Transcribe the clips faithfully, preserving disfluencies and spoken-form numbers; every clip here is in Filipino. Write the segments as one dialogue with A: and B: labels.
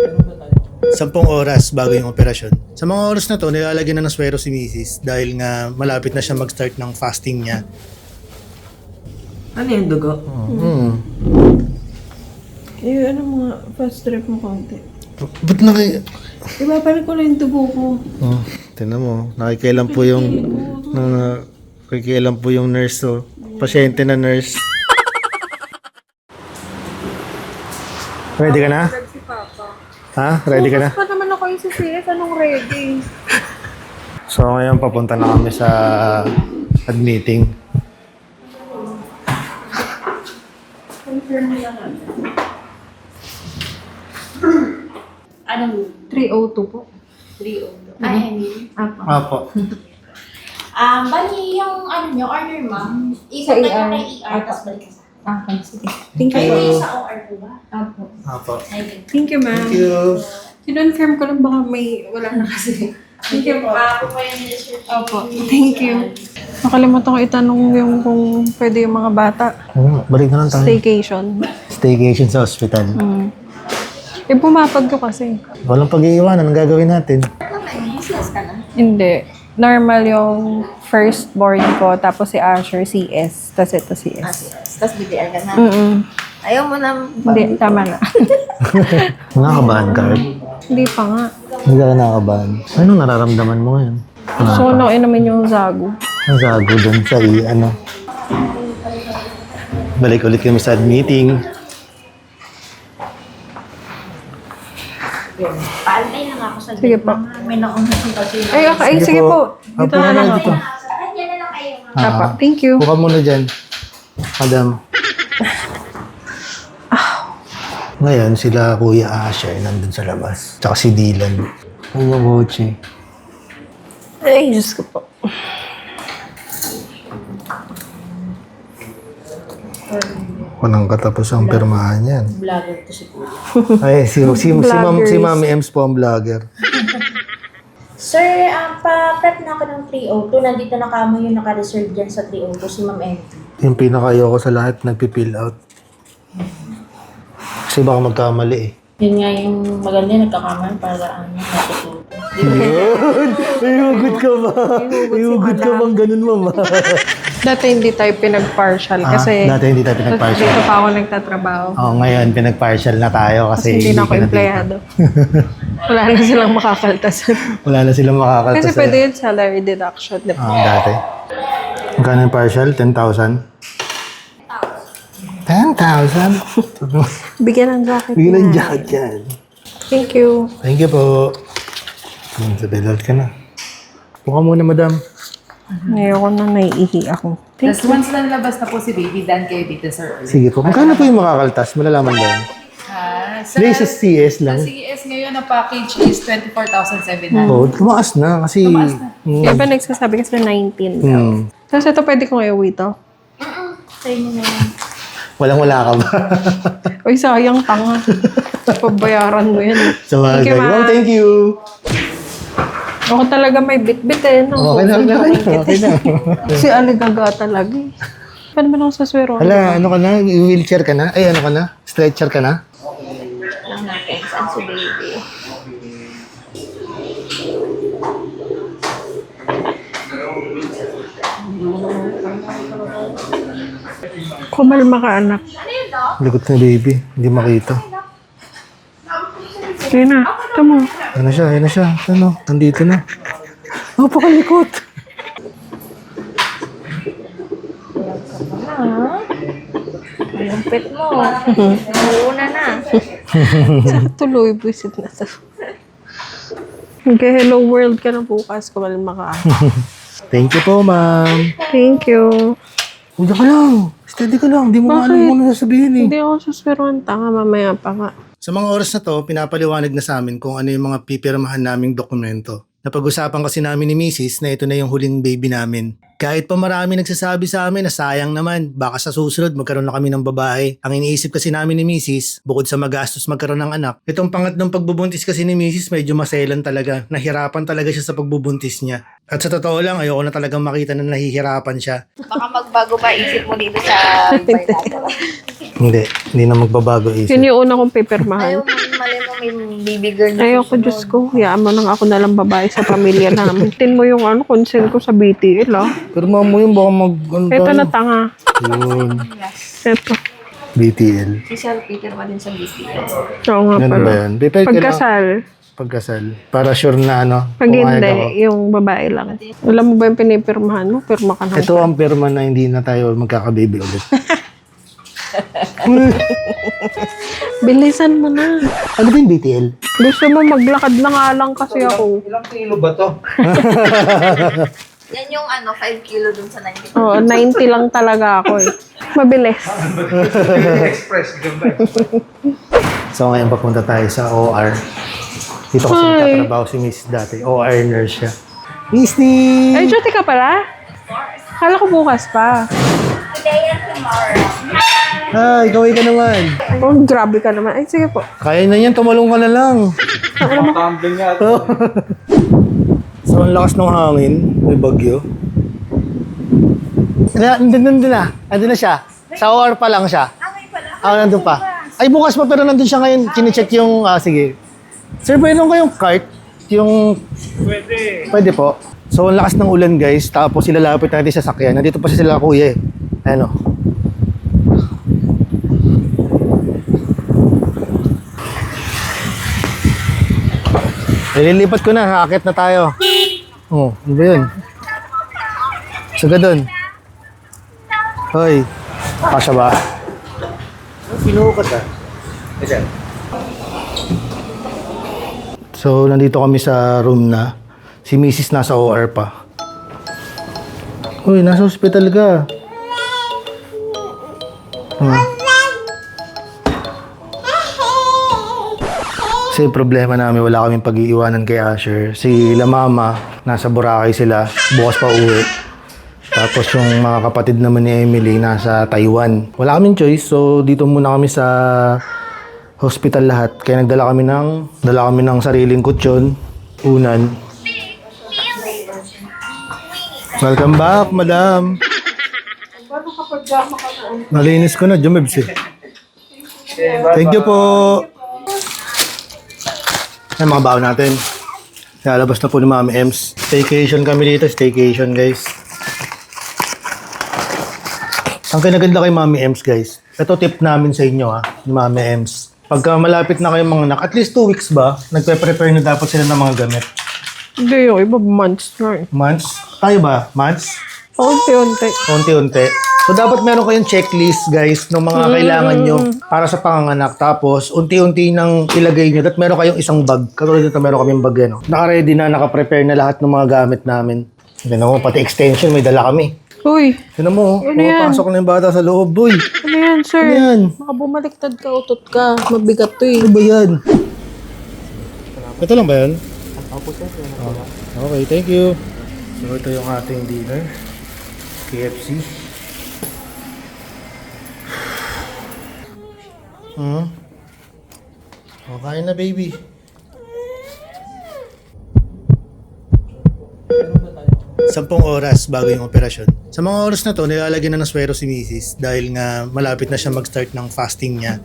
A: Sampung oras bago yung operasyon. Sa mga oras na to, nilalagyan na ng swero si Missus dahil nga malapit na siya mag-start ng fasting niya.
B: Ano yung dugo?
A: Hmm.
B: Eh, ano mga fast trip mo konti?
A: Ba't naki...
B: Ibabalik ko na yung dugo ko.
A: Oh, tingnan mo. Nakikialam po yung... Uh, nakikialam po yung nurse, oh. Pasyente na nurse. Ready ka na?
B: Si Papa.
A: Ha? Ready ka na?
B: Pa naman ako yung C C S. Anong ready?
A: So ngayon papunta na kami sa admitting.
B: Confirm nila natin.
C: Anong
B: three oh two po.
C: three oh two? Ay, I mean.
B: Apa.
A: Apo.
C: Um, bali yung ano nyo, order ma'am.
B: Sa
C: Ikot
B: E R.
C: na kay E R,
B: Apa.
C: tapos balik ka sa.
B: Ah, okay. Sige. Thank
C: Kayo
B: you.
C: kayo sa O R po ba?
B: Apo.
A: Apo.
C: Ay,
B: Thank you, ma'am.
A: Thank you.
B: Kinonfirm ko lang baka may wala na kasi. Thank you po.
C: Ako po yung research.
B: Opo. Thank you. Nakalimutan ko itanong yung kung pwede yung mga bata.
A: Hmm, balik na lang tayo.
B: Staycation.
A: Staycation sa hospital.
B: Mm. Eh, pumapag ko kasi.
A: Walang pag-iiwanan. Anong gagawin natin?
C: Naman, useless ka na.
B: Hindi. Normal yung firstborn ko, tapos si Asher, C S. Tapos ito C
C: Ah,
B: S.
C: yes. Tapos B T R ka na.
B: Mm-mm.
C: Ayaw mo na.
B: Hindi, tama na.
A: Nakakabahan ka, Art?
B: Hindi pa nga.
A: Hindi ka nakakabahan. Anong nararamdaman mo ngayon?
B: Gusto ko nang inumin yung Zago.
A: Ang sago doon sa i- ano. Balik ulit kami sa admitting.
C: Paantay lang ako sa
B: Sige
C: gate,
B: po.
C: ma'am. May nauna si kasi.
B: Ay, okay. Ay, sige po. Dito
A: Apo
B: na lang ako.
A: dito.
C: Diyan na lang kayo, ma'am.
A: Ah,
B: Apa. Thank you.
A: Buka muna dyan. Madam. Ngayon, sila Kuya Asher nandun sa labas. Tsaka si Dylan. Ay, yung kotse.
B: Ay, Diyos ko po.
A: Walang katapos ang pirmahan yan.
C: Vlogger to si Kuya.
A: Ay, si, si, si, Ma'am,
B: Vloggers.
A: si Mami Ems po ang vlogger.
C: Sir, um, pa-prep na ako ng three oh two. Nandito na kamo yung naka-reserve dyan sa three oh two, si Ma'am M T.
A: Yung pinaka-ayoko sa lahat, nagpipill out. Kasi baka magkamali eh.
C: Yun nga yung maganda, nagkakaman para ano, natututo.
A: Yun! May hugot ka ba? May hugot ka bang ganun, mama?
B: Dati hindi tayo pinag-partial
A: Ah,
B: kasi
A: dati hindi tayo pinag-partial.
B: dito pa ako nagtatrabaho.
A: Oo, ngayon pinag-partial na tayo kasi,
B: Kasi hindi na ako
A: ka
B: empleyado. Wala na silang makakaltasan.
A: Wala na silang makakalta
B: Kasi
A: sa'yo.
B: pwede yun salary deduction, di ba?
A: Ah, dati. Magkano yung partial? ten thousand? ten thousand?
B: Bigyan ng jacket
A: Bigyan ng
B: na.
A: jacket yan.
B: Thank you.
A: Thank you po. Hmm, sa bailout ka na. Buka muna, madam.
B: Ayoko na, naiihi ako. Thank
D: Tapos once na nalabas na po si baby, dan kayo dito, sir.
A: Sige po. Magkano po yung makakaltas? Malalaman doon.
D: Ah,
A: Hindi, sa C S lang.
D: Sa C S ngayon, ang package is twenty-four thousand seven hundred.
A: Oo, tumaas na kasi...
B: you. Yung iba nagsasabi kasi nineteen daw.
A: Hmm.
B: Tapos ito pwede kong iuwi to.
C: Sa inyo na yan.
A: Walang-wala ka ba?
B: Uy, sayang tanga. Pabayaran mo yan.
A: So,
B: Thank you,
A: ma'am.
B: ma'am.
A: Thank you.
B: Ako talaga may bit-bit eh. No?
A: Okay na, okay na. Okay na.
B: Si Aligaga talaga eh. Paano ba ako sa swero?
A: Hala, ano ka na? Wheelchair ka na? Ay, ano ka na? Stretcher ka na?
C: Lang natin, saan si baby?
B: Kumalma ka, anak.
A: Likot na baby. Hindi makita.
B: Sige na. Ito mo.
A: Ano na siya? Ano na siya? Ano? Nandito na. Oh, pakalikot.
C: Yung pet mo. Una na.
B: Tuloy, visit na to. Okay, hello world ka na bukas. Kumalma ka.
A: Thank you po, ma'am.
B: Thank you.
A: Huwag ka lang. Steady ka lang. Hindi mo
B: Bakit?
A: alam kung ano sasabihin eh.
B: Hindi ako susweroan. Tanga, mamaya pa nga.
A: Sa mga oras na to, pinapaliwanag na sa amin kung ano yung mga pipirmahan naming dokumento. Napag-usapan kasi namin ni Missus na ito na yung huling baby namin. Kahit pa marami nagsasabi sa amin na sayang naman, baka sa susunod magkaroon na kami ng babae. Ang iniisip kasi namin ni Missus, bukod sa magastos magkaroon ng anak, itong pangatlong pagbubuntis kasi ni Missus medyo maselan talaga. Nahirapan talaga siya sa pagbubuntis niya. At sa totoo lang, ayoko na talagang makita na nahihirapan siya.
C: Baka magbago pa isip mo dito sa Bernardo.
A: Hindi, hindi na magbabago isip.
B: Yun yung una kong pipirmahan.
C: Ayaw mo, mali mo may baby girl na
B: Ayoko, Diyos ko. Hayaan mo nang ako nalang babae sa pamilya namin. Tin mo yung ano, consent ko sa B T L, ah.
A: Pero mamo yun, baka mag... Ano
B: Ito
A: tayo?
B: na tanga.
A: Yun,
B: Ito.
A: B T L.
C: Si Sal Peter pa din sa B T L.
B: Oo nga
A: Ano ba
B: pala.
A: yan? Prepare ka lang.
B: Pagkasal.
A: Pagkasal. Para sure na ano.
B: Pag
A: pumayag
B: hindi,
A: ako.
B: yung babae lang. Alam mo ba yung pinipirmahan mo? Pirma ka na.
A: Ito ang perma na hindi na tayo magkakababy ulit.
B: Bilisan mo na.
A: Ano ba yung B T L?
B: Gusto mo maglakad na nga lang kasi ako.
A: Ilang kilo ba to?
C: Yan yung ano, five kilo dun sa ninety.
B: Oo, ninety lang talaga ako eh. Mabilis.
A: So ngayon papunta tayo sa O R. Dito kasi
B: Hi.
A: nagtatrabaho si Miss dati. O R nurse siya. Miss Ni!
B: Ay, duty ka pala? Kala ko bukas pa.
C: Today and tomorrow.
A: Hi, kaway ka naman.
B: Oh, grabe ka naman. Ay, sige po.
A: Kaya na yan, tumalong ka na lang. So, ang lakas ng hangin. May bagyo. Na, nandun, nandun na. Nandun na siya. Sa O R pa lang siya. Ah, nandun pa. Ay, bukas pa pero nandun siya ngayon. Kine-check yung, ah, sige. Sir, pwede nung kayong cart? Yung... Pwede. Pwede po. So, ang lakas ng ulan, guys. Tapos, ilalapit natin sa sakyan. Nandito pa sila kuya eh. Ano? Ililipat ko na, haakit na tayo. Oh, ano ba yun? Saga doon. Hoy, kasya ba? Pinuhukas ah. So, nandito kami sa room na. Si Missus nasa O R pa. Hoy, nasa hospital ka. Hmm. Kasi problema namin, wala kaming pag-iiwanan kay Asher. Si La Mama, nasa Boracay sila, bukas pa uwi. Tapos yung mga kapatid naman ni Emily, nasa Taiwan. Wala kaming choice, so dito muna kami sa hospital lahat. Kaya nagdala kami ng, dala kami ng sariling kutsyon, unan. Welcome back, madam. Nalinis ko na, Jumebs eh. Thank you po. Yan mga baon natin. Lalabas na po ni Mami Ems. Staycation kami dito. Staycation, guys. Ang kinaganda kay Mami Ems, guys. Ito tip namin sa inyo, ha. Ni Mami Ems. Pagka malapit na kayong mga anak, at least two weeks ba, nagpe-prepare na dapat sila ng mga gamit.
B: Hindi yung iba, months na eh.
A: Months? Tayo ba? Months?
B: Unti-unti.
A: Unti-unti. So, dapat meron kayong checklist, guys, ng mga kailangan nyo para sa panganganak. Tapos, unti-unti nang ilagay nyo. At meron kayong isang bag. Katulad nito, meron kaming bag, ano. Naka-ready na, naka-prepare na lahat ng mga gamit namin. Tignan mo, pati extension, may dala kami.
B: Uy,
A: Tignan mo,
B: Ano yan?
A: pumapasok na yung bata sa loob, boy.
B: ano yan, sir?
A: Ano yan?
B: Baka bumaliktad ka, utot ka. Mabigat to eh.
A: Ano ba yan? Ito lang ba yan? Okay, thank you. So, ito yung ating dinner. K F C. Hmm? O, kain na, baby. Sampung oras bago yung operasyon. Sa mga oras na to, nilalagyan na ng swero si Missus dahil nga malapit na siya mag-start ng fasting niya.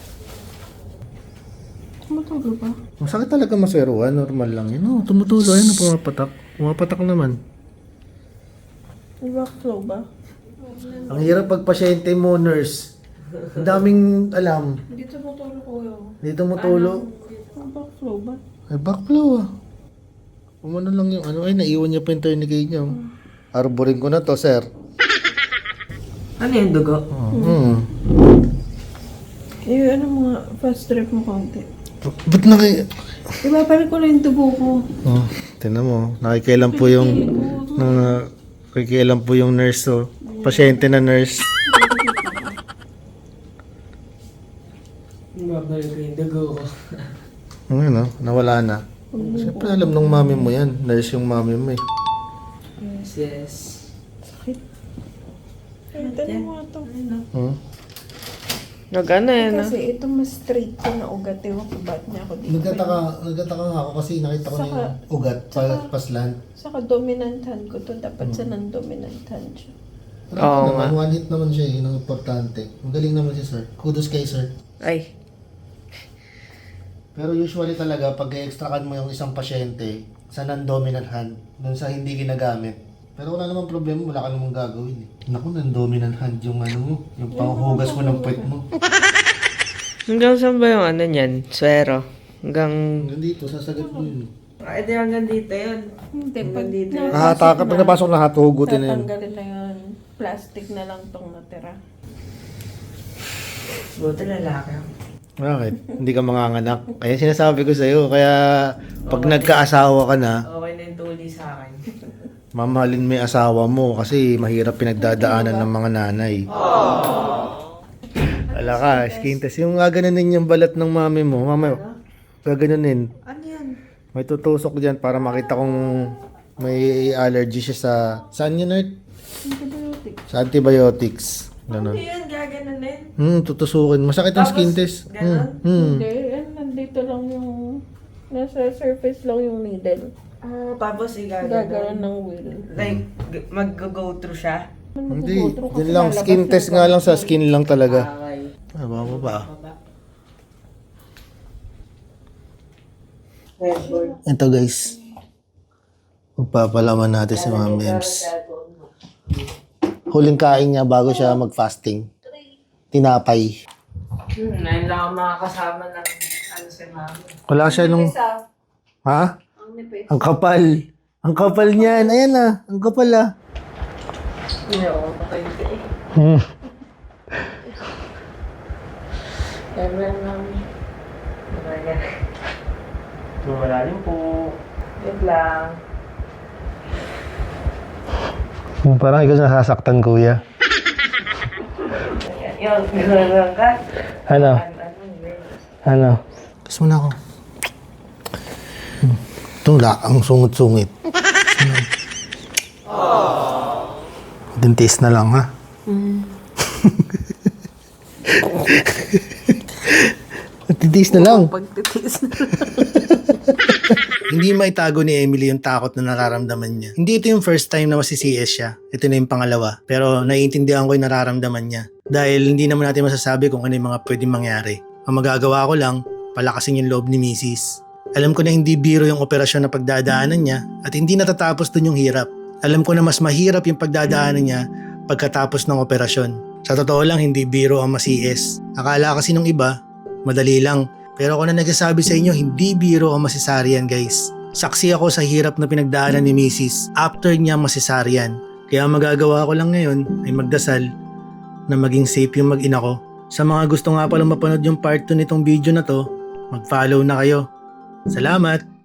B: Tumutulo ba?
A: Masakit talaga masweroan, normal lang yun. Oh, tumutulo, ayun, pumapatak. Pumapatak naman.
B: Backflow ba?
A: Ang hirap pag pasyente mo, nurse. Ang daming alam.
B: Hindi tumutulo ko yun.
A: Hindi tumutulo.
B: Ang backflow ba?
A: Ay, backflow ah. Umano lang yung ano, ay, naiwan niya pa yung tourniquet niya. Arborin ko na to, sir.
E: Ano yung dugo?
A: Oh, hmm.
B: Eh, ano mga fast trip mo konti?
A: Ba't naki...
B: Ibabalik ko na yung dugo ko.
A: Oh, tinan mo. Nakikialam po yung... Na, nakikialam po yung nurse, oh. Pasyente na nurse.
E: Babalik ko yung dugo ko.
A: Ano, nawala na. Siyempre alam nung mami mo yan. Nurse yung mami mo eh.
E: Yes, yes.
B: Ay, tanong mo ito.
A: Hmm?
B: Nagana yan ah. Kasi ito mas straight ko na ugat. Ewan ko ba't niya ako dito.
A: Nagtataka, nagtataka nga ako kasi nakita ko na yung ugat, pa, paslan.
B: Saka dominant hand ko to. Dapat sa non-dominant hand siya.
A: Wala
E: Oo
A: naman,
E: nga.
A: one hit naman siya eh, yun ang importante. Magaling naman si sir. Kudos kay sir.
E: Ay.
A: Pero usually talaga, pag i-extract mo yung isang pasyente sa non-dominant hand, dun sa hindi ginagamit, pero wala namang problema, wala ka namang gagawin eh. Naku, non-dominant hand yung ano mo, yung panghugas mo ng puwet mo.
E: Hanggang saan ba yung ano niyan? Swero. Hanggang...
A: Hanggang dito, sasagat mo yun.
E: Ay, di hanggang dito yun.
B: Hindi, pag
E: dito.
A: Kahata ka, pag napasok na hatugutin na yun.
B: tatanggalin na yun. Plastic na lang tong natira.
E: Buti lalaki ako.
A: Bakit? Hindi ka manganganak. Kaya sinasabi ko sa'yo, kaya pag nagkaasawa ka na,
E: Okay na yung tuli sa akin.
A: mamahalin mo yung asawa mo kasi mahirap pinagdadaanan ng mga nanay. Wala ka, skin test. Yung gaganunin yung balat ng mami mo, mami, gaganunin.
E: Ano yan?
A: May tutusok dyan para makita kung may allergy siya sa... Saan yun, Art? Sa antibiotics.
E: Ano
A: Ganon.
E: yan? Gaganunin?
A: Hmm, tutusukin. Masakit ang skin test. Hmm. hmm.
B: Hindi, yan, nandito lang yung... Nasa surface lang yung needle.
E: Ah, tapos
B: Gagaroon
E: igaganon.
B: ng wheel.
E: Like, g- mag-go through siya?
A: Hindi. Yun lang, skin test nga lang sa skin lang talaga.
E: Okay.
A: Ah, baba ba?
E: Baba.
A: Ito guys. Magpapalaman natin si Ma'am Ems. Huling kain niya bago siya mag-fasting. Tinapay.
E: Hmm, ngayon lang ako makakasama ng ano si mama.
A: Wala siya nung... Ha? Ang kapal. Ang kapal niyan. Ayan na. Ang kapal ah.
E: Hindi ako makainte eh.
A: Hmm.
E: Ewan namin. Wala rin po. Wait lang.
A: Parang ikaw nasasaktan, kuya.
E: Yun, gano'n ka.
A: Ano?
E: Ano, yun.
A: Ano? Kiss mo na ako. Itong la, ang sungit-sungit. Dentist na lang, ha? Dentist na lang.
B: Pagtitiis na.
A: Hindi maitago ni Emily yung takot na nararamdaman niya. Hindi ito yung first time na masi-C S siya. Ito na yung pangalawa. Pero naiintindihan ko yung nararamdaman niya. Dahil hindi naman natin masasabi kung ano yung mga pwedeng mangyari. Ang magagawa ko lang, palakasin yung loob ni Missus Alam ko na hindi biro yung operasyon na pagdadaanan niya at hindi natatapos dun yung hirap. Alam ko na mas mahirap yung pagdadaanan niya pagkatapos ng operasyon. Sa totoo lang, hindi biro ang ma-C S. Akala kasi nung iba, madali lang. Pero ako na nagsasabi sa inyo, hindi biro ang masisaryan guys. Saksi ako sa hirap na pinagdaanan ni Missus after niya masisaryan. Kaya ang magagawa ko lang ngayon ay magdasal na maging safe yung mag-ina ko. Sa mga gusto nga palang mapanood yung part two nitong video na to, mag-follow na kayo. Salamat!